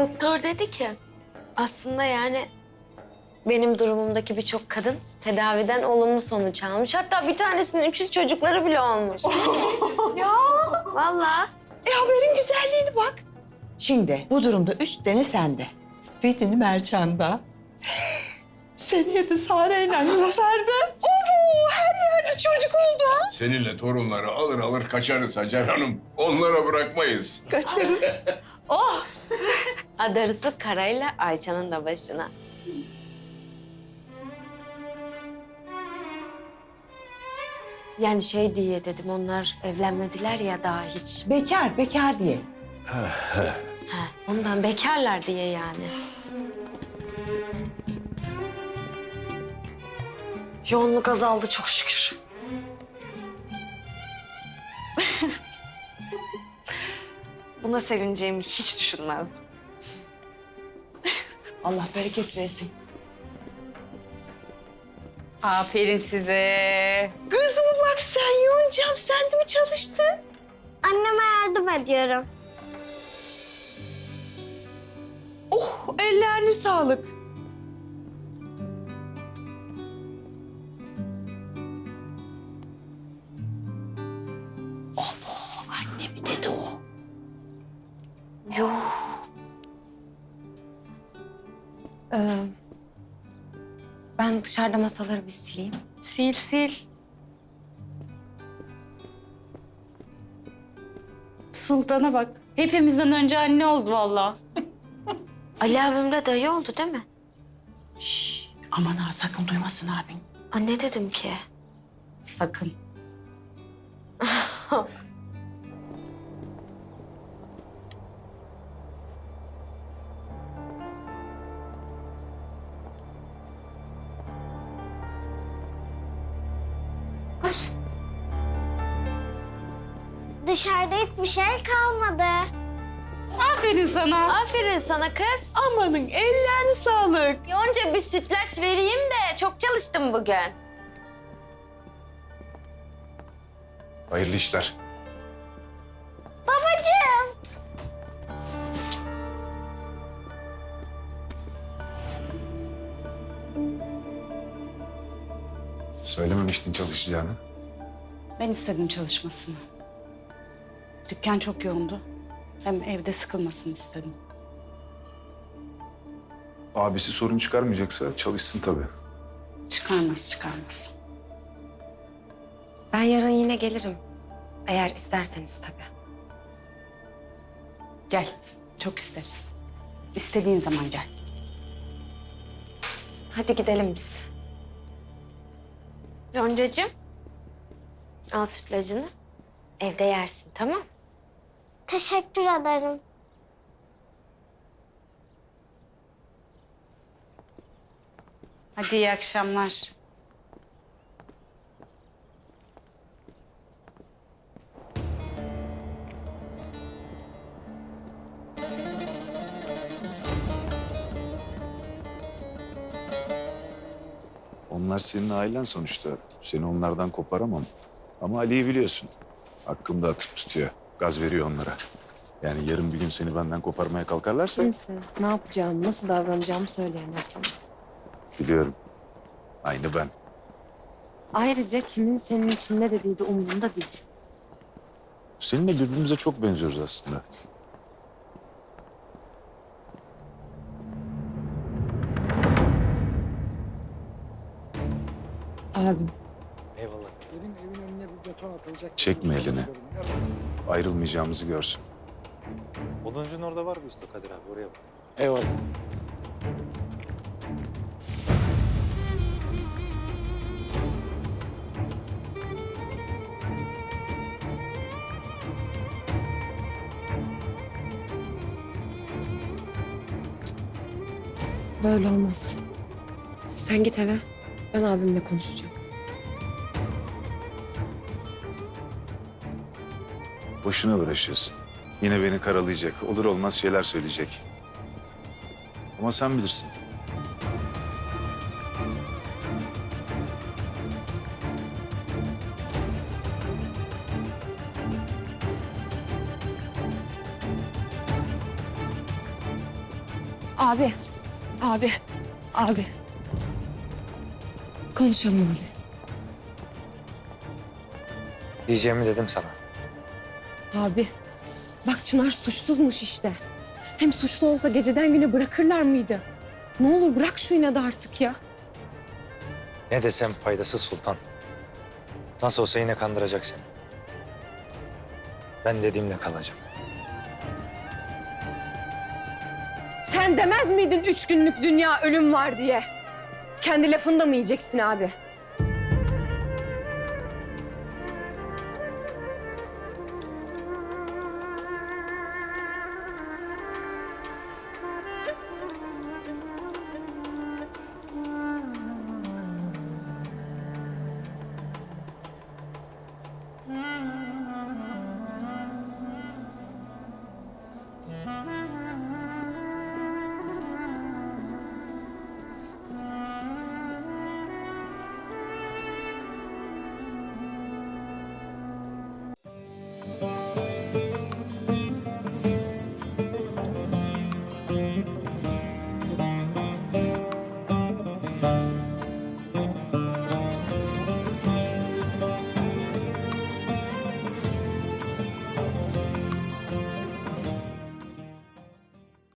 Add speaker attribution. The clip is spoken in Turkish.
Speaker 1: Doktor dedi ki aslında yani benim durumumdaki birçok kadın tedaviden olumlu sonuç almış. Hatta bir tanesinin 300 çocukları bile olmuş.
Speaker 2: Ya.
Speaker 1: Vallahi.
Speaker 2: Haberin güzelliğine bak. Şimdi bu durumda 3 tane sende. Birini Mercan'da. Seneye de Sare'yle Zafer'de. Oo, her yerde çocuk oldu ha.
Speaker 3: Seninle torunları alır alır kaçarız Hacer Hanım. Onlara bırakmayız.
Speaker 2: Kaçarız. Oh.
Speaker 1: Adarısı Kara'yla Ayça'nın da başına. Yani şey diye dedim, onlar evlenmediler ya daha hiç.
Speaker 2: Bekar diye.
Speaker 1: Ondan bekarlar diye yani.
Speaker 4: Yoğunluk azaldı çok şükür. Buna sevineceğimi hiç düşünmezdim.
Speaker 2: Allah bereket versin.
Speaker 5: Aferin size.
Speaker 2: Kızıma bak sen Yoncam, sen de mi çalıştın?
Speaker 6: Anneme yardım ediyorum.
Speaker 2: Oh, ellerine sağlık. Abo, anne mi dedi o?
Speaker 1: Ben dışarıda masaları bir sileyim.
Speaker 5: Sil sil. Sultan'a bak. Hepimizden önce anne oldu vallahi.
Speaker 1: Ali abimle dayı oldu değil mi?
Speaker 2: Şş, aman ha, sakın duymasın abin.
Speaker 1: Anne dedim ki.
Speaker 5: Sakın.
Speaker 6: Dışarıda hiçbir şey kalmadı.
Speaker 5: Aferin sana.
Speaker 1: Aferin sana kız.
Speaker 2: Amanın ellerine sağlık.
Speaker 1: Yonca bir sütlaç vereyim de çok çalıştım bugün.
Speaker 3: Hayırlı işler.
Speaker 6: Babacığım.
Speaker 3: Söylememiştin çalışacağını.
Speaker 5: Ben istedim çalışmasını. Dükkan çok yoğundu. Hem evde sıkılmasını istedim.
Speaker 7: Abisi sorun çıkarmayacaksa çalışsın tabii.
Speaker 5: Çıkarmaz.
Speaker 1: Ben yarın yine gelirim. Eğer isterseniz tabii.
Speaker 5: Gel. Çok isteriz. İstediğin zaman gel.
Speaker 1: Hadi gidelim biz. Yoncacığım, al sütlacını. Evde yersin, tamam?
Speaker 6: Teşekkür ederim.
Speaker 5: Hadi iyi akşamlar.
Speaker 7: Onlar senin ailen sonuçta. Seni onlardan koparamam. Ama Ali'yi biliyorsun. Hakkımda atıp tutuyor. Gaz veriyor onlara. Yani yarın bir gün seni benden koparmaya kalkarlarsa...
Speaker 8: Kimse ne yapacağımı, nasıl davranacağımı söyleyemez bana.
Speaker 7: Biliyorum. Aynı ben.
Speaker 8: Ayrıca kimin senin için ne dediği de umurumda değil.
Speaker 7: Seninle birbirimize çok benziyoruz aslında.
Speaker 8: Abim.
Speaker 9: Eyvallah. Evin önüne bir beton atılacak.
Speaker 7: Çekme elini. Ayrılmayacağımızı görsün.
Speaker 9: Oduncunun orada var bir usta Kadir abi, oraya bak. Eyvallah.
Speaker 8: Böyle olmaz. Sen git eve. Ben abimle konuşacağım.
Speaker 7: Boşuna uğraşıyorsun. Yine beni karalayacak. Olur olmaz şeyler söyleyecek. Ama sen bilirsin.
Speaker 8: Abi. Konuşalım abi.
Speaker 9: Diyeceğimi dedim sana.
Speaker 8: Abi, bak Çınar suçsuzmuş işte. Hem suçlu olsa geceden güne bırakırlar mıydı? Ne olur bırak şu inadı artık ya.
Speaker 9: Ne desem faydasız Sultan. Nasıl olsa yine kandıracak seni. Ben dediğimle kalacağım.
Speaker 8: Sen demez miydin 3 günlük dünya ölüm var diye? Kendi lafını da mı yiyeceksin abi?